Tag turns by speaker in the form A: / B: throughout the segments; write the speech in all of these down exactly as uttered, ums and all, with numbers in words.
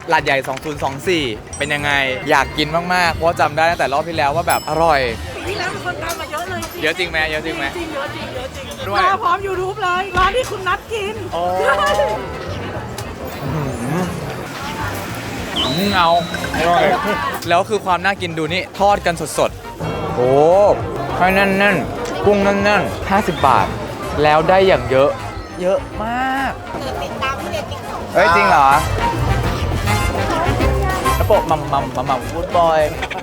A: ลาดใหญ่สองพันยี่สิบสี่เป็นยังไงอยากกินมากๆเพราะจำได้ตั้งแต่รอบที่แล้วว่าแบบอร่อย
B: ปีที่แล้วมีคนตามมาเยอะเลย
A: เยอะจริงไหมเยอะจริงไหม
B: จริงเยอะจริงเยอะจริง
A: ด้วย
B: มาพร้อม ยูทูบ เลยร้านที่คุณนัดกิน
A: เอาอร่อยแล้วคือความน่ากินดูนี่ทอดกันสดๆโอ้ให้แน่นๆกุ้งแน่นๆห้าสิบบาทแล้วได้อย่างเยอะเยอะมาก
B: ติดตามที่เด็กติ๊กต็อก
A: เฮ้ยจริงเหรอแล้วโปะมัมมัมมัมมัมฟูดบอย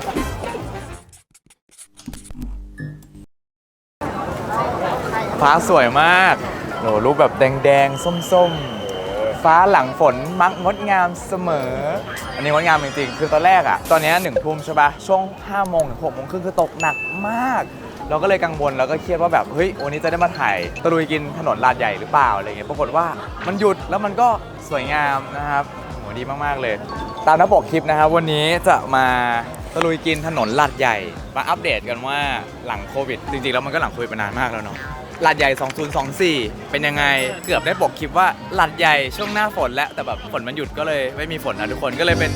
A: ฟ้าสวยมากโหรูปแบบแดงๆส้มๆฟ้าหลังฝนมักงดงามเสมออันนี้งดงามจริงๆคือตอนแรกอะตอนนี้หนึ่งทุ่มใช่ปะช่วงห้าโมงถึงหกโมงครึ่งคือตกหนักมากเราก็เลยกังวลแล้วก็เครียดว่าแบบเฮ้ยวันนี้จะได้มาถ่ายตะลุยกินถนนลาดใหญ่หรือเปล่าอะไรเงี้ยปรากฏว่ามันหยุดแล้วมันก็สวยงามนะครับโหดีมากๆเลยตามหน้าปกคลิปนะครับวันนี้จะมาตะลุยกินถนนลาดใหญ่มาอัปเดตกันว่าหลังโควิดจริงๆแล้วมันก็หลังโควิดมานานมากแล้วเนาะลาดใหญ่สองพันยี่สิบสี่เป็นยังไงเกือบได้ปกคลิปว่าลาดใหญ่ช่วงหน้าฝนแล้วแต่แบบฝนมันหยุดก็เลยไม่มีฝนนะทุกคนก็เลยเป็น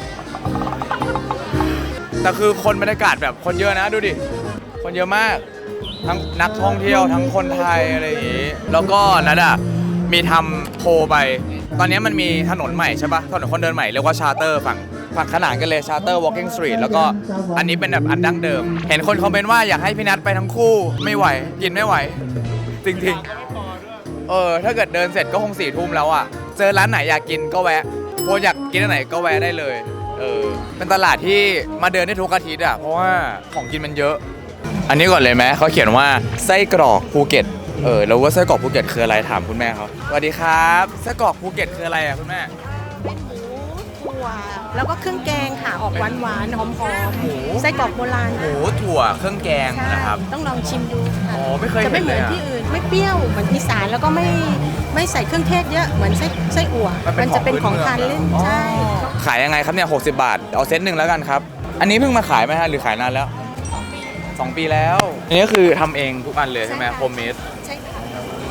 A: แต่คือคนบรรยากาศแบบคนเยอะนะดูดิคนเยอะมากทั้งนักท่องเที่ยวทั้งคนไทยอะไรอย่างงี้แล้วก็นัดอะมีทำโพลไปตอนนี้มันมีถนนใหม่ใช่ปะถนนคนเดินใหม่เรียกว่าชาร์เตอร์ฝั่งฝั่งขนานกันเลยชาร์เตอร์ walking street แล้วก็อันนี้เป็นแบบอันดั้งเดิมเห็นคนคอมเมนต์ว่าอยากให้พี่นัทไปทั้งคู่ไม่ไหวกินไม่ไหวจริงๆเออถ้าเกิดเดินเสร็จก็คงสี่ทุ่มแล้วอะเจอร้านไหนอยากกินก็แวะโพอยากกินอันไหนก็แวะได้เลยเออเป็นตลาดที่มาเดินได้ทุกอาทิตย์อะเพราะว่าของกินมันเยอะอันนี้ก่อนเลยไหมเขาเขียนว่าไส้กรอกภูเก็ตเออแล้วว่าไส้กรอกภูเก็ตคืออะไรถามคุณแม่เขาสวัสดีครับไส้กรอกภูเก็ตคืออะไรอ่ะคุณแม่
B: เป็นหมูถั่วแล้วก็เครื่องแกงค่ะออกหวานหวานหอมหอมหมูไส้กรอกโบราณ
A: หมูถั่วเครื่องแกงนะครับ
B: ต้องลองชิมดูค่ะ
A: อ๋อไม่เคย
B: จะไม่เหมือนที่อื่นไม่เปรี้ยวเหมือนอีสานแล้วก็ไม่ไม่ใส่เครื่องเทศเยอะเหมือนไส้ไส้อั่วมันจะเป็นของทานเล่นใช่
A: ขายยังไงครับเนี่ยหกสิบบาทเอาเซตหนึ่งแล้วกันครับอันนี้เพิ่งมาขายไหมฮะหรือขายนานแล้วสองปีแล้วอันนี้คือทำเองทุกอันเลยใช่ไหมโฮมเมด
B: ใช่ค่ะ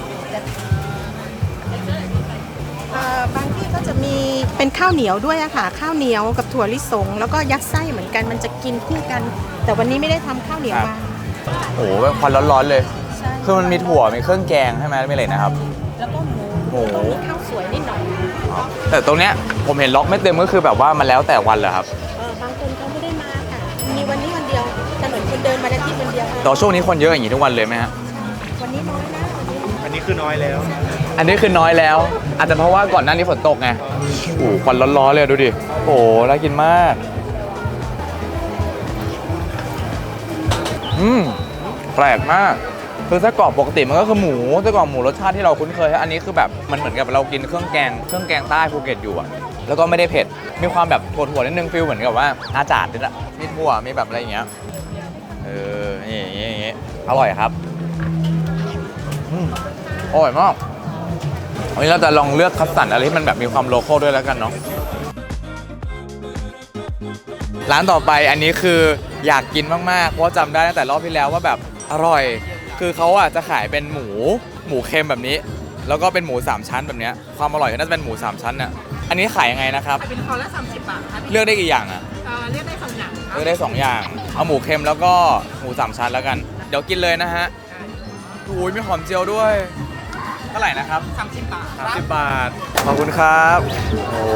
B: บางที่ก็จะมีเป็นข้าวเหนียวด้วยอะค่ะข้าวเหนียวกับถั่วลิสงแล้วก็ยัดไส้เหมือนกันมันจะกินคู่กันแต่วันนี้ไม่ได้ทำข้าวเหนียวมา
A: โอ้โหแบบควันร้อนๆเลยคือมันมีถั่วมีเครื่องแกงใช่ไหมไม่เลยนะครับ
B: แล้วก็หมูหมูมีข้าวสวยนิดหน่อย
A: แต่ตรงเนี้ยผมเห็นล็อกไม่เต็มก็คือแบบว่ามันแล้วแต่วันเหรอครับ
B: เออบางคนเขาไม่ได้มาค่ะมีวันนี้วันเดียวถนนคนเดินมาได้ที่วันเดียว
A: ต่อช่วงนี้คนเยอะอย่างนี้ทุกวันเลยไหมฮะ
B: วันนี้น้อยนะ
C: อันนี้คือน้อยแล้ว
A: อันนี้คือน้อยแล้วอาจจะเพราะว่าก่อนหน้านี้ฝนตกไงโอ้โหควันร้อนๆเลยดูดิโอ้โหน่ากินมากอืมแปลกมากคือไส้กรอกปกติมันก็คือหมูไส้กรอกหมูรสชาติที่เราคุ้นเคยอันนี้คือแบบมันเหมือนกับเรากินเครื่องแกงเครื่องแกงใต้ภูเก็ตอยู่อะแล้วก็ไม่ได้เผ็ดมีความแบบถั่วๆนิดนึงฟิลเหมือนกับว่าอาจารย์นิดอะมีถั่วมีแบบอะไรอย่างเงี้ยเออนี่อย่างเงี้ยอย่างเงี้ยอร่อยครับอืมอร่อยมากวันนี้เราจะลองเลือกคัสตัร์ดอะไรที่มันแบบมีความโลคอลด้วยแล้วกันเนาะร้านต่อไปอันนี้คืออยากกินมากๆเพราะจำได้ตั้งแต่รอบที่แล้วว่าแบบอร่อยคือเขาอ่ะจะขายเป็นหมูหมูเค็มแบบนี้แล้วก็เป็นหมูสามชั้นแบบนี้ความอร่อยก็น่าจะเป็นหมูสามชั้นน่ะอันนี้ขายยังไงนะครับ
B: เป็นคอละสามสิบบาทค่ะ
A: เลือกได้กี่อย่างอ่ะ
B: เลือกได้สองอย่าง
A: เลือกได้สองอย่างเอาหมูเค็มแล้วก็หมูสามชั้นแล้วกันเดี๋ยวกินเลยนะฮะโอ้ยมีหอมเจียวด้วยเท่าไหร่นะครับ
B: สามสิบบาท
A: สามสิบบาทขอบคุณครับโอ้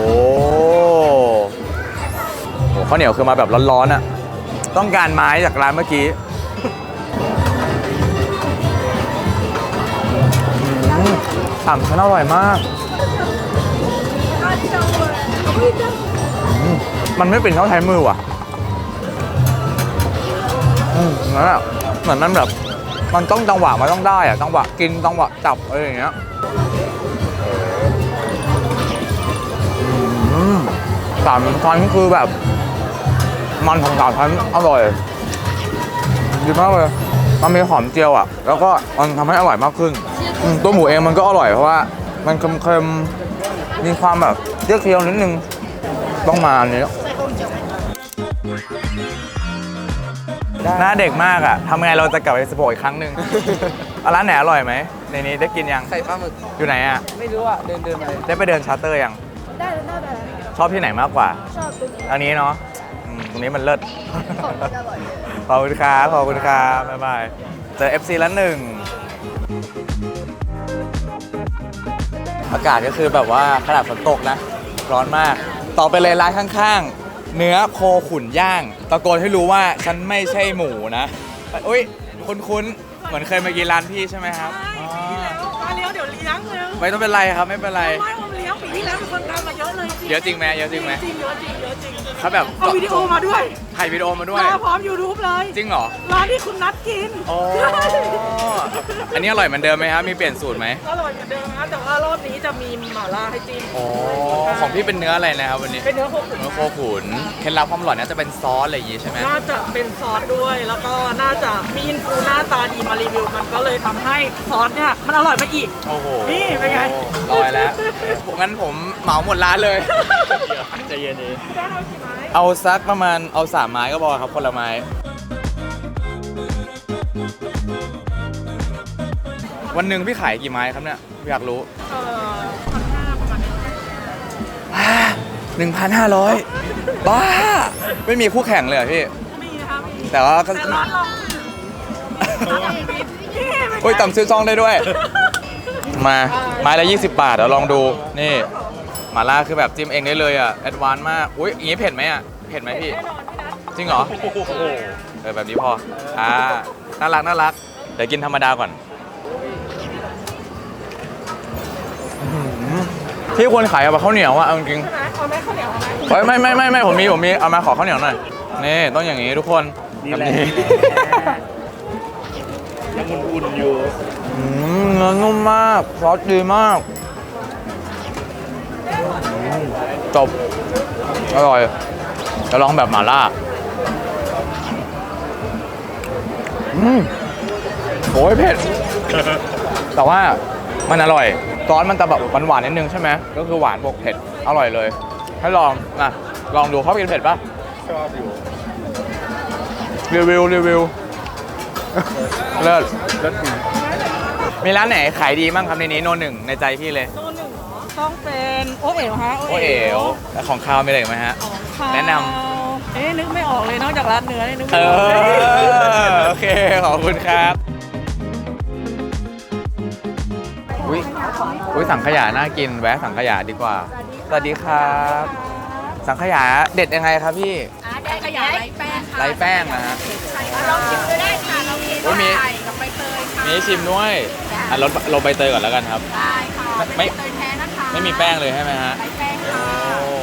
A: โหข้าวเหนียวคือมาแบบร้อนๆอ่ะต้องการไม้จากร้านเมื่อกี้สามชั้นอร่อยมากมันไม่เป็นข้าวไทยมือว่ะอืมนั่นแหละเหมือนมันแบบมันต้องจังหวะมันต้องได้อะจังหวะกินจังหวะจับอะไรอย่างเงี้ยสามชั้นคือแบบมันของสามชั้นอร่อยดีมากเลยมันมีหอมเจียวอ่ะแล้วก็มันทำให้อร่อยมากขึ้นตัวหมูเองมันก็อร่อยเพราะว่ามันเค็มๆมีความแบบเคี่ยวนิดนึงต้องมาอันนี้หน้าเด็กมากอ่ะทำไงเราจะกลับไปสโปอีกครั้งหนึ่งร้านไหนอร่อยไหมในนี้ได้กินยัง
D: ไข่ปลาหมึก
A: อยู่ไหนอ่ะ
D: ไม่รู้อ่ะเดินเดินไป
A: ได้ไปเดินชาร์เตอร์ยัง
D: ได้ได้ได้
A: ชอบที่ไหนมากกว่า
C: ชอบตรงนี้
A: ทางนี้เนาะอืมตรงนี้มันเลิศ
C: ของกินอร่อยเยอะ
A: ขอบคุณครับขอบคุณครับบ๊ายบายเจอ เอฟ ซี แล้วหนึ่งอากาศก็คือแบบว่าขนาดฝนตกนะ ร้อนมาก ต่อไปเลยร้านข้างๆ เนื้อโคขุนย่าง ตะโกนให้รู้ว่าฉันไม่ใช่หมูนะ อุ้ยคุ้นๆ เหมือนเคยมากินร้านพี่ใช่ไหมครับอ๋อ
D: มาเลี้ยวเดี๋ยวเลี้ยงเร็ว
A: ไม่ต้องเป็นไรครับไม่เป็นไร
D: ไม่ผมเลี้ยงปีที่แล้วมีคนตามมาเยอะเลย
A: เยอะจริงไหมเยอะจริงไหม
D: จริงเยอะจริงเยอะจริง
A: เขาแบบ
D: เอาวิดีโอมาด้วย
A: ถ่ายวิดีโอมาด้วย
D: มาพร้อม YouTube เลย
A: จริงเหรอ
D: ร้านที่คุณนัดกิน
A: อ๋ออันนี้อร่อยเหมือนเดิมไหมครับ มีเปลี่ยนสูตรไหม
D: อร่อยเหมือนเดิมนะแต่ว่ารอบนี้จะมีหม่าล่าให้จิ้ม
A: อ๋อของพี่เป็นเนื้ออะไรนะครับวันนี้
D: เป็นเนื้อโคขุน
A: เนื้อโคขุนเคล็ดลับความอร่อยน่าจะเป็นซอสอะไรอย่างงี้ใช่ไหม
D: น่าจะเป็นซอสด้วย แล้วก็น่าจะมีอินฟูหน้าตาดีมารีวิว มันก็เลยทำให้ซอสเนี่ยมันอร่อยไปอีก
A: โอ้โห
D: นี่เป็นไง
A: ลอยแล้วงั้นผมเหมาหมดร้านเลยใจเย็นเอง
D: ได้เอากี่ไม้
A: เอาสักประมาณเอาสามไม้ก็พอครับคนละไม้วันหนึ่งพี่ขายกี่ไม้ครับเนี่ยอยากรู้
D: เอ่อพันห้าประมาณนี้
A: หนึ่งพันห้าร้อยบ้า ไม่มีคู่แข่งเลยเหรอพี่
D: มีนะคะมี
A: แต่ว่าก็
D: แต่ร้านเรานี่เป็นไง
A: โอ้ยต่ำซื้อซองได้ด้วย มาไม้ละยี่สิบบาทเดี๋ยวลองดูนี่หม่าล่าคือแบบจิ้มเองได้เลยอ่ะแอดวานซ์มากอุ้ยอย่างนี้เผ็ดไหมอ่ะเผ็ดไหมพี่
D: แน่นอนพี่นัท
A: จริงเหรอเออแบบนี้พออ่าน่ารักน่ารักเดี๋ยวกินธรรมดาก่อนอื้อหือที่ควรขายกับข้าวเหนียวอ่ะเอาจริง
D: ใช่ไหมเอาไหมข้าวเหนียวเอาไหม
A: ๆเฮ้ยไม่ไม่ไม่ไม่ผมมีผมมีเอามาขอข้าวเหนียวหน่อยนี่ต้องอย่างนี้ทุกคนแบบนี้
E: ยังอุ่นๆอยู่
A: อืมเนื้อนุ่มมากซอสดีมากอืมจบอร่อยจะลองแบบหม่าล่าอืมโอ้ยเผ็ด แต่ว่ามันอร่อยซอสมันจะแบบหวานๆนิดนึงใช่ไหมก็คือหวานบวกเผ็ดอร่อยเลย ให้ลองนะลองดูเขากินเผ็ดปะ
E: ชอบอยู่
A: รีวิวรีวิว เลิศ
E: แล้วถึง
A: มีร้านไหนขายดีบ้างครับในนี้โนหนึ่งในใจพี่เลย
D: โน่นหนึ่งเหรอต้องเป็นโอเอ๋วฮะ
A: โอเอ๋วแล้วของข้าวมีอะไรอีกไหมฮะ
D: ของข้าว
A: แนะน
D: เอ๊ะนึกไม่ออกเลยนอกจากร้านเนื้อนี่นึก
A: เอ
D: ไม่ออกเลย
A: อโอเค ขอบคุณครับอุ้ยอุ้ยสังขยาน่ากินแวะสังขยาดีกว่า สวัสดีครับ สังขยาเด็ดยังไงครับพี่
C: ได้ขยายไร้แป้งค่ะ
A: ไรแป้งนะฮะ
C: ลองชิมดูได้ค่ะลองชิม
A: โอ้ยมี
C: ไข่กับใบเตยค่ะ
A: มีให้ชิมด้วยอ่ะรสรสใบเตยก่อนแล้วกันครับ
C: ได้ค่ะ
A: ไม่
C: เป็นใบเตยแท้นะคะ
A: ไม่มีแป้งเลยใช่ไหมฮะ
C: ไร้แป้งค่ะ
A: โอ้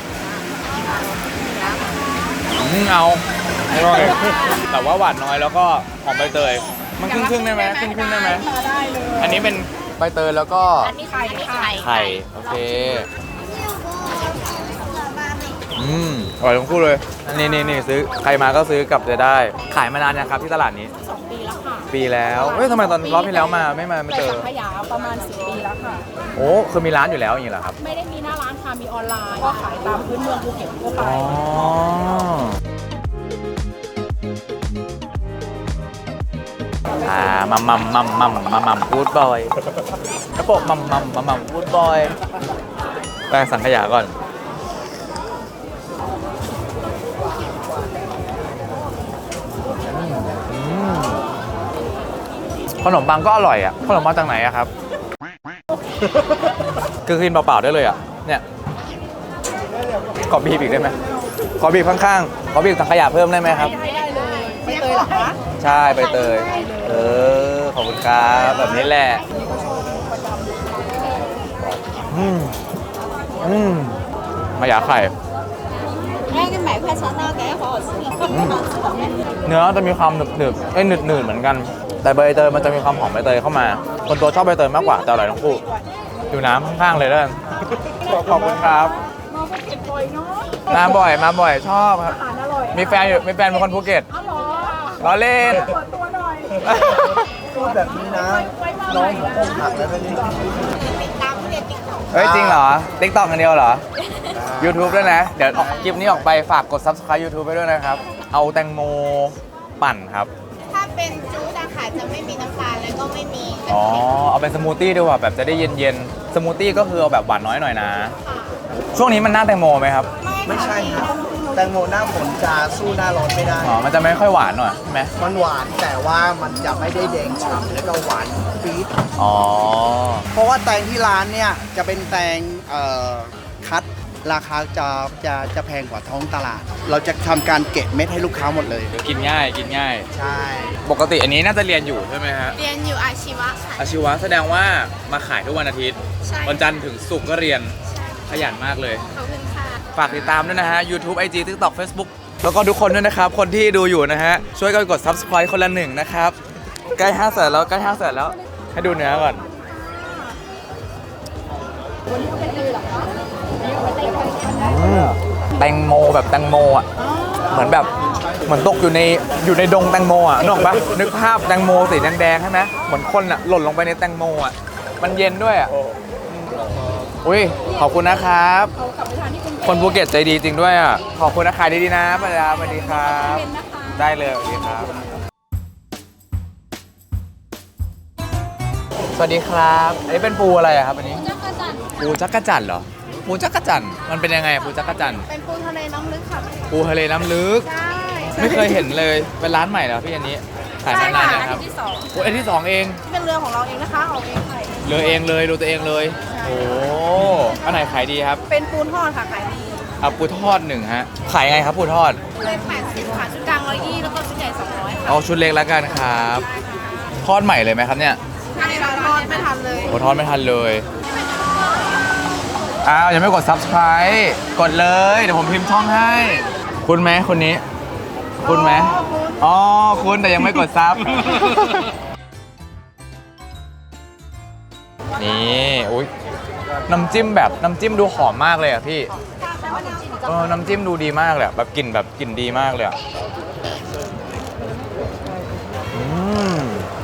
A: อืมเอาอร่อยแต่ว่าหวานน้อยแล้วก็หอมใบเตย มันครึ่งครึ่งๆได้ไหมครึ่งครึ่งๆได้ไหม
D: ได้เลย
A: อันนี้เป็นใบเตยแล้วก็
C: อันนี้ไข่ค่ะ
A: ไข่ โอเค อืมอร่อยทั้งคู่เลยอันนี้นี่นี่ซื้อใครมาก็ซื้อกลับจะได้ ขายมานานยังครับที่ตลาดนี้
C: สองปีแล้วค่ะ
A: ปีแล้วเฮ้ยทำไมตอนรอบที่แล้วมาไม่มาไม่
C: แต่
A: เจอ
C: สังขยาประมาณสิบปีแล้วค่ะ
A: โอ้คือมีร้านอยู่แล้วอย่างนี้เหรอครับ
C: ไม่ได้มีหน้าร้านค่ะ มีออนไลน์ ก็ขายตามพื้นเมืองภูเก็ตทั่วไป
A: อ๋ออ่ามัมมัมมัมมัมมัมมัมกูดบอยกระโปะมัมมัมมัมมัมกูดบอยแป้งสังขยาก่อนอืมขนมปังก็อร่อยอ่ะขนมมาจากไหนอะครับ คือกินเปล่าๆได้เลยอ่ะเนี่ยขอบีบอีกได้ไหมขอบีบข้างๆขอบีบสังขยาเพิ่มได้ไหมครับ
C: ได้เลยใบเตยเหรอคะ
A: ใช่ใบเตย เออ ขอบคุณครับแบบนี้แหละ อืม อืมมาหยาไข่
C: 那个买块肠道感觉好好吃，
A: 嗯เนื้อจะมีความหนึบหนึบๆเอ้ยหนืดหนืดๆเหมือนกัน แต่ใบเตยมันจะมีความหอมใบเตยเข้ามา คนตัวชอบใบเตยมากกว่าแต่อร่อยทั้งคู่อยู่น้ำข้างๆเลยแล้วกันขอบคุณครับ
D: มาภูเก็ตบ่อยเนาะ
A: มาบ่อยมาบ่อยชอบครับ
D: อาหารอร่อย
A: มีแฟนอยู่มีแฟนเป็นคนภูเก็ต
D: อ๋อเหรอ
A: ล้อเล่น
D: เปิดตัวหน่อย
E: พูดแบบนี้นะ น้องผมอกหักแล้วนะนี่
A: เฮ้ย จริงเหรอ ติ๊กต็อกกันเดียวเหรอ YouTube ด้วยนะ เดี๋ยวออกคลิปนี้ออกไปฝากกด Subscribe YouTube ไปด้วยนะครับ เอาแตงโมปั่นครับ
C: ถ้าเป็นจูดอะค่ะจะไม่มีน้ำตาลแล้วก็ไม่มีกะ
A: อ๋อ
C: ทิ
A: เอาเป็นสมูทตี้ดีกว่าแบบจะได้เย็นๆ สมูทตี้ก็คือเอาแบบหวานน้อยหน่อยนะ
C: ค่ะ
A: เอช่วงนี้มันหน้าแตงโมไหมครับ
E: ไม่ใช่ครับแตงโมหน้าฝนจะสู้หน้าร้อนไม่ได้
A: อ๋อ มันจะไม่ค่อยหวานหน่อยใช่ไหม
E: มันหวานแต่ว่ามันจะไม่ได้แดงฉ่ำแล้วก็หวานปี๊ด
A: อ๋อ
E: เพราะว่าแตงที่ร้านเนี่ยจะเป็นแตงเอ่อคัดราคาจะจะจะแพงกว่าท้องตลาด เราจะทำการเก็บเม็ดให้ลูกค้าหมดเลย
A: กินง่ายกินง่าย
E: ใช่
A: ปกติอันนี้น่าจะเรียนอยู่ใช่ไหมฮะ
F: เรียนอยู่อาชีวะค่ะ
A: อาชีวะแสดงว่ามาขายทุกวันอาทิตย์
F: ใช่
A: วันจันทร์ถึงศุกร์ก็เรียนขยันมากเลย
F: ขอบคุณค่ะ
A: ฝากติดตามด้วยนะฮะ YouTube ไอ จี TikTok Facebook แล้วก็ทุกคนด้วยนะครับ คนที่ดูอยู่นะฮะ ช่วยกันกด Subscribe คนละหนึ่งนะครับ ใกล้ห้าแสนแล้วใกล้ห้าแสนแล้ว ให้ดูเนื้อก่อนอืมแตงโมแบบแตงโมอ่ะ เหมือนแบบเหมือนตกอยู่ในอยู่ในดงแตงโมอ่ะนึกออกปะนึกภาพแตงโมสีแดงๆใช่ไหมเหมือนคนอ่ะหล่นลงไปในแตงโมอ่ะ มันเย็นด้วยอ่ะอุ้ยขอบคุณนะครับ คนภูเก็ตใจดีจริงด้วยอ่ะ ขอบคุณนะขายดีๆนะป้าดาสวัสดีครับ ได้เลยสวัสดีครับ สวัสดีครับอันนี้เป็นปูอะไรอะครับอันนี้ปูจักรจั่นเหรอปูจักรจั่นมันเป็นยังไงปูจักรจั่น
F: เป็นปูทะเลน้ำลึกค่ะ
A: ปูทะเลน้ำลึก
F: ใช่
A: ไม่เคยเห็นเลยเป็นร้านใหม่เหรอพี่อันนี้ขายมานานแล้วครับ
F: ที่สอง
A: โอ้อันที่สองเอง
F: เป็นเรือของเราเองนะคะออกเองขายเอง
A: เลยเองเลยดูตัวเองเลยโอ้อันไหนขายดีครับ
F: เป็นปูทอดค่ะขายดี
A: เอาปูทอดหนึ่งฮะขายยังไงครับปูทอด
F: เลยแปดสิบค่ะชุดกลางร้อยยี่แล้วก็ชุดใหญ่สองร้อยค่ะ
A: เอาชุดเล็กแล้วกันครับทอดใหม่เลยไหมครับเนี่ย
F: อันนี้เราทอดไม่ทันเลย
A: โอ้ทอดไม่ทันเลยอ้าวยังไม่กด Subscribe กดเลยเดี๋ยวผมพิมพ์ช่องให้ คุณไหมคนนี้ คุณไหมอ๋อคุณแต่ยังไม่กดซับ นี่อุ้ยน้ำจิ้มแบบน้ำจิ้มดูหอมมากเลยอ่ะพี่เออน้ำจิ้มดูดีมากเลยอะแบบกลิ่นแบบกลิ่นดีมากเลยอ่ะอืม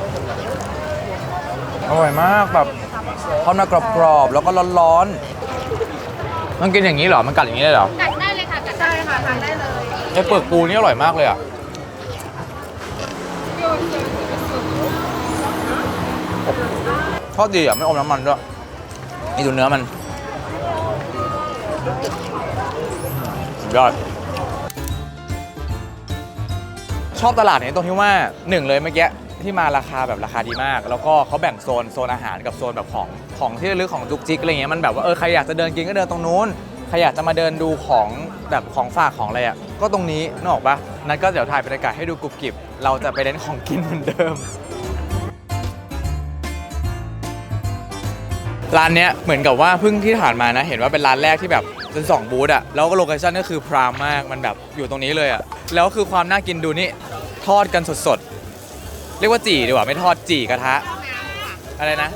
A: อร่อยมากแบบทอดมากรอบๆแล้วก็ร้อนๆมันกินอย่างนี้เหรอมันกัดอย่างนี้ได้เหรอ
F: กัดได้เลยค่ะกัดได้ค่ะทานได้เลย
A: ไอ้เปลือกปูนี่อร่อยมากเลยอ่ะทอดดีอ่ะไม่อมน้ำมันด้วยนี่ดูเนื้อมันสุดยอดชอบตลาดนี้ตรงที่ว่าหนึ่งเลยเมื่อกี้ที่มาราคาแบบราคาดีมาก แล้วก็เขาแบ่งโซนโซนอาหารกับโซนแบบของของที่ระลึกของจุกจิกอะไรเงี้ยมันแบบว่าเออใครอยากจะเดินกินก็เดินตรงนู้นใครอยากจะมาเดินดูของแบบของฝากของอะไรอ่ะก็ตรงนี้นึกออกปะนั้นก็เดี๋ยวถ่ายบรรยากาศให้ดูกรุบกริบเราจะไปเล่นของกินเหมือนเดิมร้านเนี้ยเหมือนกับว่าเพิ่งที่ผ่านมานะเห็นว่าเป็นร้านแรกที่แบบเป็นสองบูธอะแล้วก็โลเคชั่นก็คือพรามมากมันแบบอยู่ตรงนี้เลยอะแล้วคือความน่ากินดูนี่ทอดกันสดๆเรียกว่าจี่ดีกว่าไม่ทอดจี่กระทะอะไรนะ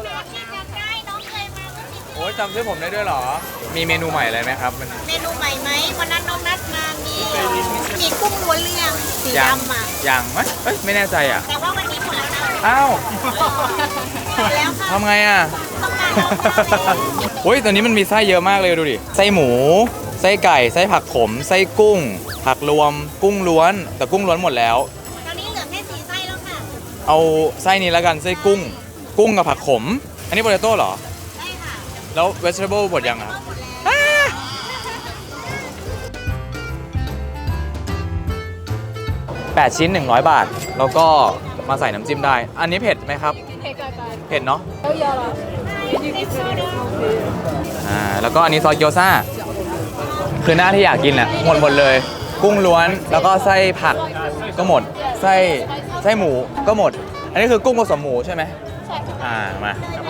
A: โอ้ยจำชื่อผมได้ด้วยเหรอมีเมนูใหม่อะไรไหมครับมัน
F: เมนูใหม่ไหมวันนั้นน้องนัดมามีมีกุ้งล้วนเรียงสี
A: ยัง
F: ดำอ่ะ
A: ยังไหมเอ้ยไม่แน่ใจอะ
F: แต่ว่าวันนี้หมดแล้วนะ
A: อ้าว
F: หมดแล้วค่ะ
A: ทำไงอะ
F: ต้องการเอา
A: โอ้ยตอนนี้มันมีไส้เยอะมากเลยดูดิไส้หมูไส้ไก่ไส้ผักขมไส้กุ้ง ผักรวมกุ้งล้วนแต่กุ้งล้วนหมดแล้ว
F: ตอนนี้เหลือแค่สี่ไส้แล้วค่ะ
A: เอาไส้นี้แล้วกันไส้กุ้ง กุ้งกับผักขม อันนี้โปเตโต้เหรอ
F: ใช่ค่ะ
A: แล้ว vegetable หมดยังอ่ะ
F: หมดแล้ว
A: แปดชิ้นหนึ่งร้อยบาท แล้วก็มาใส่น้ำจิ้มได้ อันนี้เผ็ดไหมครับ เผ็ดเนาะอ่าแล้วก็อันนี้ซอสเกี๊ยวซ่า คือหน้าที่อยากกินอ่ะหมดหมดเลย กุ้งล้วนแล้วก็ไส้ผักก็หมด ไส้ไส้หมูก็หมด อันนี้คือกุ้งผสมหมูใช่ไหมใช่อ่ามา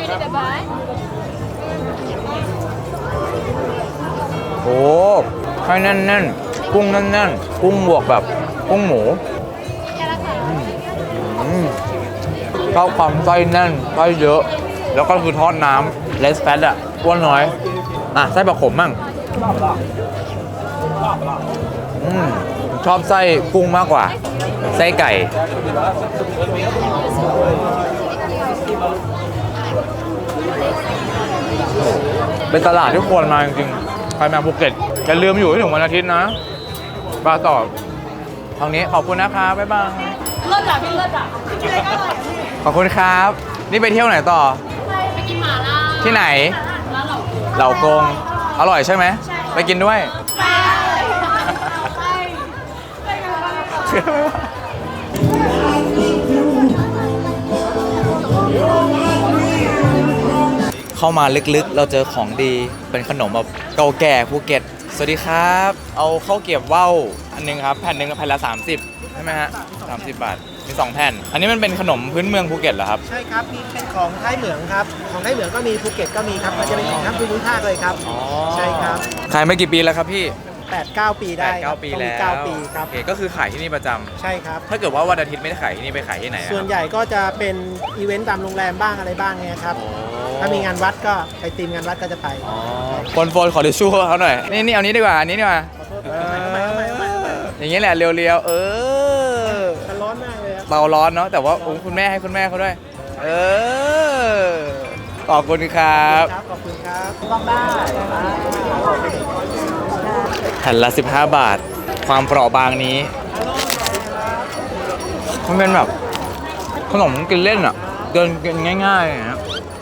A: โอ้ไส้แน่นๆกุ้งแน่นๆกุ้งบวกแบบกุ้งหมูอืมชอบความไส้แน่นไส้เยอะ แล้วก็คือทอดน้ำเลสแฟตอะอ้วนน้อยอ่ะไส้ผักขมมั่งอืมชอบไส้กุ้งมากกว่า ไส้ไก่เป็นตลาดที่ควรมาจริงๆใครมาภูเก็ตอย่าลืมอยู่ให้ถึงวันอาทิตย์นะปลาต่อทางนี้ขอบคุณนะคะบ๊ายบาย
F: เลิศอ่ะพี่เลิศอ่ะกินอะไรก็อร่อย
A: ขอบคุณครับ นี่ไปเที่ยวไหนต่อ
F: ไปกินหม่าล่า
A: ที่ไหน
F: ร้านเหล่า
A: เหล่ากง อร่อยใช่ไหม
F: ใช่
A: ไปกินด้วยเข้ามาลึกๆ เราเจอของดีเป็นขนมแบบเก่าแก่ภูเก็ตสวัสดีครับ เอาข้าวเกรี๊ยวว่าวอันหนึงครับแผ่นหนึ่งแผ่นละสามสิบใช่ไหมฮะสามสิบบาทมีสองแผ่น อันนี้มันเป็นขนมพื้นเมืองภูเก็ตเหรอครับ
G: ใช่ครับมีเป็นของท้ายเหมืองครับ ของท้ายเหมืองก็มีภูเก็ตก็มีครับ มันจะเป็นของทั้งภูมิภาคเลยครับ
A: อ๋อ
G: ใช่ครับ
A: ขายมากี่ปีแล้วครับพี่
G: แปด เก้า ปีได้
A: แปดเก้าปี
G: ต้อง
A: แล้
G: มี
A: ว
G: เก้าปีครับ
A: โอเคก็คือขายที่นี่ประจำ
G: ใช่ครับ
A: ถ้าเกิดว่าวันอาทิตย์ไม่ได้ขายที่นี่ไปขายที่ไหนอะ
G: ส่วนใหญ่ก็จะเป็นอีเวนต์ตามโรงแรมบ้างอะไรบ้างเนี่ยครับ
A: โอ้
G: ถ้ามีงานวัดก็ไปตีมงานวัดก็จะไป
A: อ๋อโฟนโฟนขอทิชชู่เขาหน่อย นี่นี่เอานี้ดีกว่า อันนี้ดีกว่า
G: เออ
A: อย่างนี้แหละเรียวๆ เออ
G: มันร้อนมากเลยครับ
A: เบาร้อนเนาะ แต่ว่าโอ้คุณแม่ให้คุณแม่เขาด้วย เออ ขอบคุณครับ
G: ครับ ขอบคุณครับ
A: แผ่นละสิบห้าบาท ความเปราะบางนี้ มันเป็นแบบขนมกินเล่นอ่ะ เดินกินง่ายๆนะ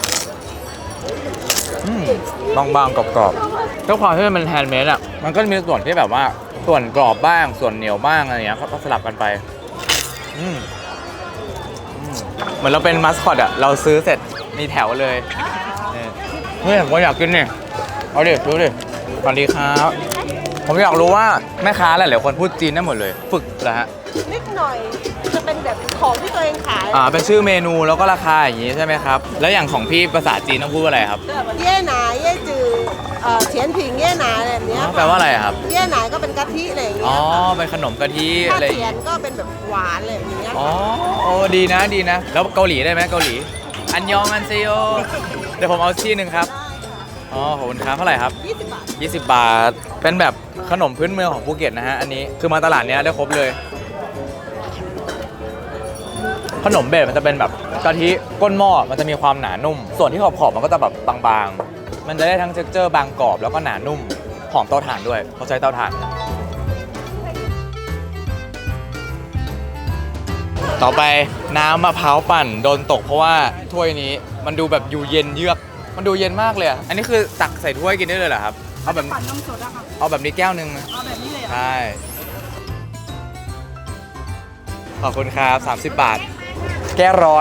A: อืมบางๆกรอบๆด้วยความที่มันเป็นแฮนด์เมดอ่ะ มันก็มีส่วนที่แบบว่าส่วนกรอบบ้างส่วนเหนียวบ้างอะไรอย่างเงี้ยก็สลับกันไปอืมอืมเหมือนเราเป็นมัสคอตอ่ะ เราซื้อเสร็จมีแถวเลยนี่นี่ผมอยากกินนี่เอาดิดูดิสวัสดีครับ ผมอยากรู้ว่าแม่ค้าหลายๆคนพูดจีนได้หมดเลย ฝึกเหรอฮะ
B: นิดหน่อยจะเป็นแบบของที่ตัวเองขาย
A: อ่าเป็นชื่อเมนูแล้วก็ราคาอย่างนี้ใช่ไหมครับ แล้วอย่างของพี่ภาษาจีนต้องพูดว่าอะไรครับ
B: เย่หนาเย่จือเอ่อเฉียนผิงเย่หนาอะไรแบบเนี้ย
A: แปลว่าอะไรครับ
B: เย่หนาก็เป็นกะทิอะไรอย่างเงี้
A: อ๋อ
B: ย
A: เป็นขนมกะทิ
B: ถ้า
A: อะไรอย่าง
B: เฉียน
A: งี้
B: ก็เป็นแบบหวานอะไรแบบเนี้ย
A: อ๋อโอ้ดีนะดีนะ แล้วเกาหลีได้ไหมเกาหลี อันยองอันเซโย เดี๋ยวผมเอาที่หนึ่งครับ อ๋อขอบคุณครับเท่าไหร่ครับ
B: ยี่สิบบาท
A: ยี่สิบบาท เป็นแบบขนมพื้นเมืองของภูเก็ตนะฮะ อันนี้คือมาตลาดเนี้ยได้ครบเลย ขนมเบสมันจะเป็นแบบกะทิก้นหม้อ มันจะมีความหนานุ่ม ส่วนที่ขอบๆมันก็จะแบบบางๆ มันจะได้ทั้งเท็กเจอร์บางกรอบแล้วก็หนานุ่ม หอมเตาถ่านด้วยเขาใช้เตาถ่าน ต่อไปน้ำมะพร้าวปั่นโดนตกเพราะว่าถ้วยนี้มันดูแบบอยู่เย็นเยือก มันดูเย็นมากเลยอะอันนี้คือตักใส่ถ้วยกินได้เลยเหรอครับ เอาแบบ
C: ปั่นนมสดอะค่ะ
A: เอาแบบนี้แก้วหนึ่งนะ
C: เอาแบบนี้เลยเหรอ
A: ใช่ ขอบคุณครับสามสิบบาท แก้ร้อน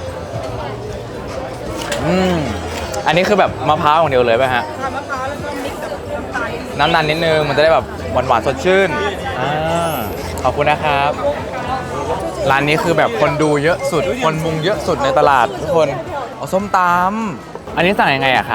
A: อืม อันนี้คือแบบมะพร้าวอย่างเดียวเลยป่ะฮะ
C: ทำมะพร้าวแล้วก็มิกซ์กับน้ำตาล
A: น้ำนันนิดนึง มันจะได้แบบหวานๆสดชื่นอ่าขอบคุณนะครับ ร้านนี้คือแบบคนดูเยอะสุด คนมุงเยอะสุดในตลาดทุกคนเอาส้มตำอันนี้สั่งยังไงอะครับ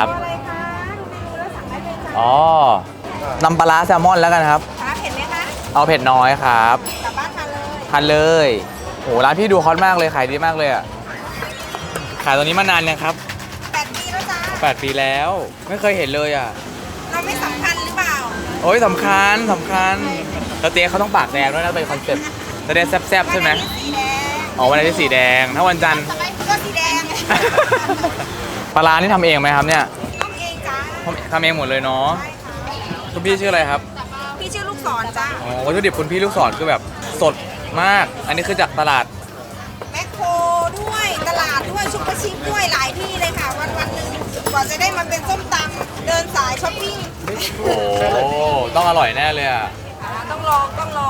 A: อ๋อน้ำปลาร้าแซลมอนแล้วกันครับ
F: คะเห็นไหมคะ
A: เอาเผ็ดน้อยครับ
F: กลับบ้านทานเลย
A: ทานเลยโหร้านพี่ดูฮอตมากเลยขายดีมากเลยอ่ะ ขายตรงนี้มานานยังครับ
F: แปดปีแล้วจ้า
A: แปดปีแล้ว ไม่เคยเห็นเลยอ่ะ
F: เราไม่สำคัญหรือเปล่า
A: โอ้ยสำคัญสำคัญแล้วเจ๊เขาต้องปากแดงด้วยนะเป็นคอนเซ็ปต์จะได้แซ่บๆใช่ไหม
F: วันนี้สีแดง
A: อ๋อวันนี้สีแดง ถ้าวันจันทร์
F: สบายก็สีแดง
A: ปลาร้านี่ทำเองไหมครับเนี่ย
F: ต้องเองจ้า
A: ทำทำเองหมดเลยเนาะ
F: ใช่ค่ะ
A: คุณพี่ชื่ออะไรครับ
F: พี่ชื่อลูกศรจ้า
A: อ๋อวัตถุดิบคุณพี่ลูกศรคือแบบสดมาก อันนี้คือจากตลาด
F: แมคโครด้วย ตลาดด้วย ชุกกระชิปด้วย หลายที่เลยค่ะ วันวันๆหนึ่งกว่าจะได้มาเป็นส้มตำเดินสายช้อปปิ้ง
A: โอ้ต้องอร่อยแน่เลยอ่ะ
F: อ่าต้องลอง ต้องลอง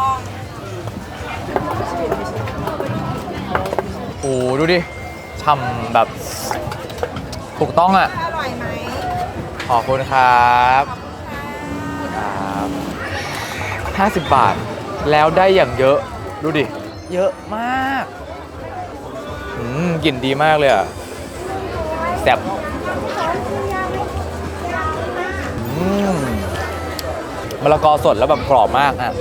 A: โอ้ดูดิฉ่ำแบบถูกต้องอ่ะ
F: อร่อยไหม
A: ขอบคุณครับครับห้าสิบบาท แล้วได้อย่างเยอะ ดูดิ เยอะมากอืมกลิ่นดีมากเลยอ่ะแซ่บอืมมะละกอสดแล้วแบบกรอบมากอ่ะ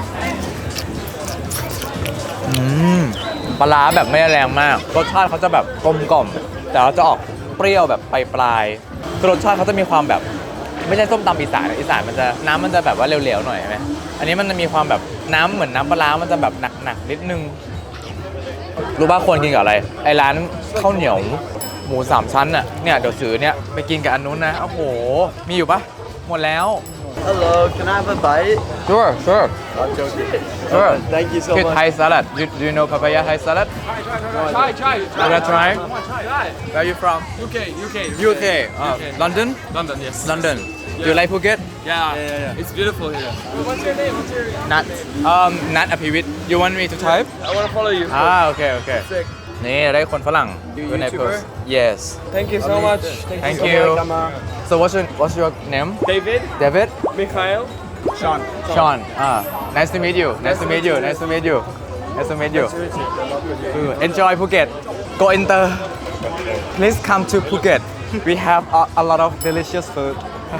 A: อืมปลาร้าแบบไม่ได้แรงมาก รสชาติเขาจะแบบกลมกล่อม แต่เราจะออกเปรี้ยวแบบปลายๆคือรสชาติเขาจะมีความแบบไม่ใช่ส้มตำอีสานอีสานมันจะน้ำมันจะแบบว่าเหลวๆหน่อยใช่ไหมอันนี้มันจะมีความแบบน้ำเหมือนน้ำปลาร้ามันจะแบบหนักๆนิดนึงรู้ป่ะควรกินกับอะไรไอ้ร้านข้าวเหนียวหมูสามชั้นอ่ะเนี่ยเดี๋ยวซื้อเนี่ยไปกินกับอันนู้นนะโอ้โหมีอยู่ปะหมดแล้ว
E: Hello can I have a bite
A: sure sure
E: I'm joking
A: sure
E: Thank you so
A: Good
E: much
A: Thai salad you, do you know papaya Thai salad
H: Try, try,
A: you wanna try
H: Try.
A: where are you from
H: U K, U K,
A: U K uh, London
H: London, yes.
A: London You like Phuket?
H: Yeah, yeah, yeah. It's beautiful here. What's your name? What's your
A: Nat um Nat Apivit You want me to type
H: I want to follow you.
A: อ่าโอเคโอเค
H: Sick.
A: นี่ได้คนฝรั่ง
H: You
A: อยู่ใน
H: YouTuber?
A: post Yes
H: Thank you so much.
A: Thank
H: so
A: you.
H: much, Amma.
A: So what's your what's your name
H: David,
A: David
H: Mikhail, Sean.
A: Sean ah nice to meet you nice to meet you nice to meet you nice to meet you Uh, enjoy Phuket go inter please come to Phuket we have a, a lot of delicious food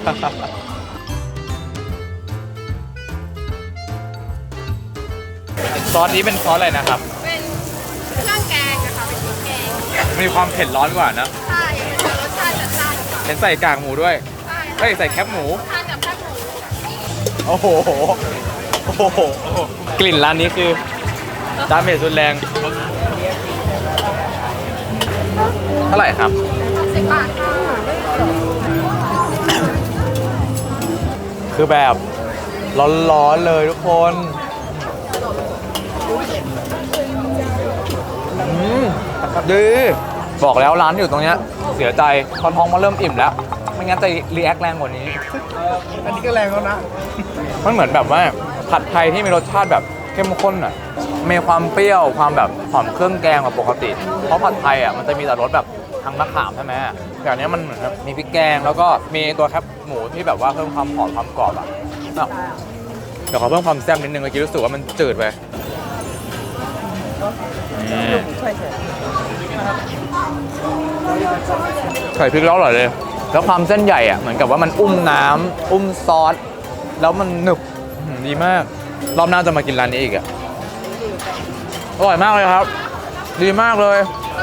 A: ซอสนี้เป็นซอสอะไรนะครับ
F: เป็นเครื่องแกงนะคะเป็นพริกแกง
A: มีความเผ็ดร้อนกว่านะ
F: ใช่เป็นรสชาติจัดจ้านกว่า
A: เห็นใส่กากหมูด้วย
F: ใช่
A: เฮ้ยใส่แคบหมู
F: ทานกับแคบหมู
A: โอ้โห โอ้โห กลิ่นร้านนี้คือดาเมจรุนแรง เท่าไหร่ครับ
F: สิบบาทค่ะ
A: คือแบบร้อนๆเลยทุกคนอืมดีบอกแล้วร้านอยู่ตรงเนี้ยเสียใจพอท้องมาเริ่มอิ่มแล้ว ไม่งั้นจะรีแอคแรงกว่านี้
G: อันนี้ก็แรงแล้วนะ
A: มันเหมือนแบบว่าผัดไทยที่มีรสชาติแบบเข้มข้นอ่ะ มีความเปรี้ยวความแบบหอมเครื่องแกงกว่าปกติ เพราะผัดไทยอ่ะมันจะมีแต่รสแบบทางมะขามใช่ไหมแต่อันเนี้ยมันเหมือนแบบมีพริกแกงแล้วก็มีตัวแคบหมูที่แบบว่าเพิ่มความหอมความกรอบอ่ะอ้าวเดี๋ยวขอเพิ่มความแซ่บนิดนึงเมื่อกี้รู้สึกว่ามันจืดไปนี่ไข่พริกแล้วอร่อยเลย แล้วความเส้นใหญ่อ่ะเหมือนกับว่ามันอุ้มน้ำอุ้มซอสแล้วมันหนึบอื้อหือดีมาก รอบหน้าจะมากินร้านนี้อีกอ่ะอร่อยมากเลยครับ ดีมากเลย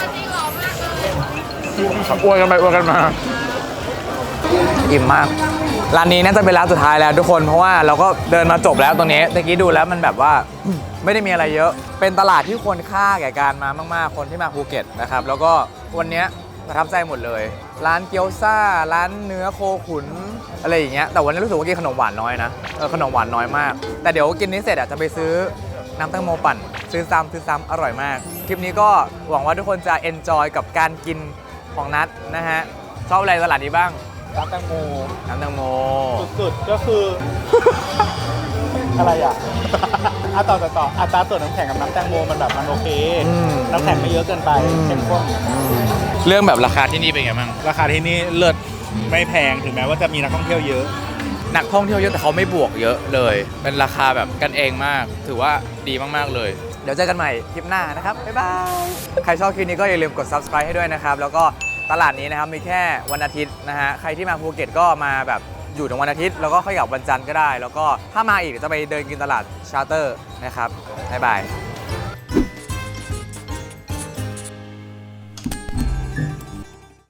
A: อวยกันไปอวยกันมาอิ่มมากร้านนี้น่าจะเป็นร้านสุดท้ายแล้วทุกคนเพราะว่าเราก็เดินมาจบแล้วตรงนี้ตะกี้ดูแล้วมันแบบว่า ไม่ได้มีอะไรเยอะ เป็นตลาดที่ควรค่าแก่การมามากๆคนที่มาภูเก็ตนะครับแล้วก็วันนี้ประทับใจหมดเลย ร้านเกี๊ยวซ่าร้านเนื้อโคขุนอะไรอย่างเงี้ยแต่วันนี้รู้สึกว่ากินขนมหวานน้อยนะเออขนมหวานน้อยมาก แต่เดี๋ยวกินนี้เสร็จอ่ะจะไปซื้อน้ำแตงโมปั่นซื้อซ้ำซื้อซ้ำอร่อยมากคลิปนี้ก็หวังว่าทุกคนจะเอนจอยกับการกินของนัทนะฮะชอบอะไรตลาดนี้บ้าง
G: น้ำแตงโม
A: น้ำแตงโม
G: สุดๆก็คือ อะไรอ่ะ อ่ะต่อต่อต่ออัตราส่วนน้ำแข็งกับน้ำแตงโมมันแบบมันโอเค น้ำแข็งไม่เยอะเกินไปเข้มข้น
A: เรื่องแบบราคาที่นี่เป็นไงบ้าง
G: ราคาที่นี่เลิศไม่แพงถึงแม้ว่าจะมีนักท่องเที่ยวเยอะ
A: นักท่องเที่ยวเยอะแต่เขาไม่บวกเยอะเลย เป็นราคาแบบกันเองมาก ถือว่าดีมากๆเลย เดี๋ยวเจอกันใหม่คลิปหน้านะครับ บ๊ายบาย ใครชอบคลิปนี้ก็อย่าลืมกด ซับสไครบ์ ให้ด้วยนะครับ แล้วก็ตลาดนี้นะครับมีแค่วันอาทิตย์นะฮะ ใครที่มาภูเก็ตก็มาแบบอยู่ถึงวันอาทิตย์แล้วก็ค่อยกลับวันจันทร์ก็ได้ แล้วก็ถ้ามาอีกเดี๋ยวจะไปเดินกินตลาดชาร์เตอร์นะครับ บ๊ายบาย